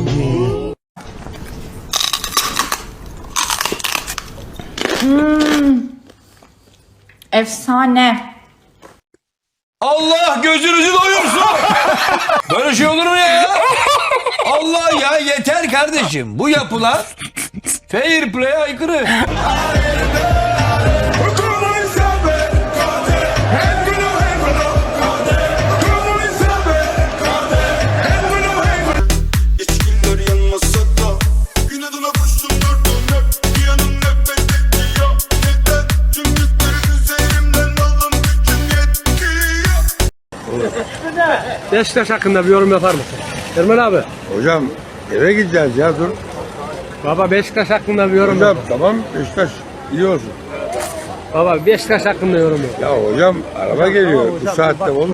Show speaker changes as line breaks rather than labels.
Efsane.
Allah gözünüzü doyursun. Böyle şey olur mu ya? Allah ya, yeter kardeşim. Bu yapılar fair play'e aykırı.
Beşiktaş hakkında bir yorum yapar mısın? Ermen abi.
Hocam eve gideceğiz ya, dur.
Baba Beşiktaş hakkında bir yorum
Hocam
yap.
tamam, Beşiktaş iyi olsun.
Baba Beşiktaş hakkında yorum yap.
Ya hocam araba geliyor bu saatte olur.